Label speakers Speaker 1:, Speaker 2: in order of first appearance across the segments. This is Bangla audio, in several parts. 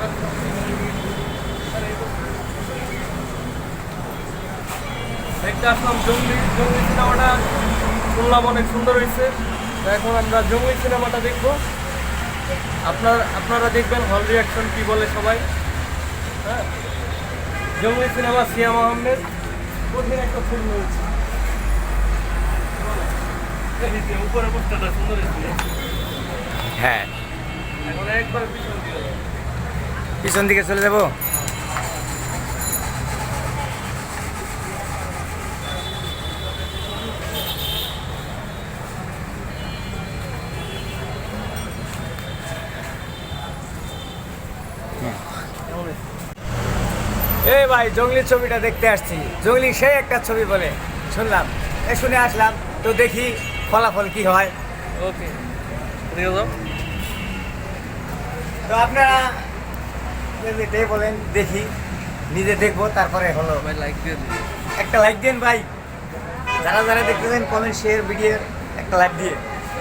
Speaker 1: দেখতে আসলাম জঙ্গলি সিনেমাটা, শুনলাম অনেক সুন্দর হয়েছে। এখন আমরা জঙ্গলি সিনেমাটা দেখবো, আপনারা দেখবেন হল রিয়াকশন কি বলে সবাই। হ্যাঁ, জঙ্গলি সিনেমা, সিয়াম আহমেদ কঠিন একটা ফিল্ম হয়েছে। উপরে পোস্টারটা সুন্দর হয়েছে।
Speaker 2: হ্যাঁ,
Speaker 1: এখন একবার
Speaker 2: পিছন দিকে চলে যাবো। এই ভাই, জঙ্গলি ছবিটা দেখতে আসছি। জঙ্গলি সেই একটা ছবি বলে শুনলাম, শুনে আসলাম, তো দেখি ফলাফল কি হয়।
Speaker 1: ওকে,
Speaker 2: তো আপনারা যেটাই বলেন, দেখি, নিজে দেখবো, তারপরে হলো।
Speaker 1: ভাই লাইক দিয়ে দিন,
Speaker 2: একটা লাইক দেন ভাই, যারা যারা দেখতেছেন কমেন্ট, শেয়ার, ভিডিও একটা লাইক দিয়ে।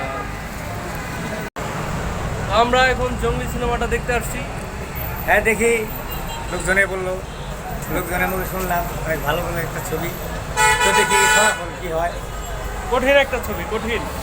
Speaker 1: আমরা এখন জঙ্গলি সিনেমাটা দেখতে আসছি।
Speaker 2: হ্যাঁ, দেখি, লোকজনে বললো, লোকজনের মুখে শুনলাম অনেক ভালো ভালো একটা ছবি, তো দেখি ফলাফল কি হয়।
Speaker 1: কঠিন একটা ছবি, কঠিন।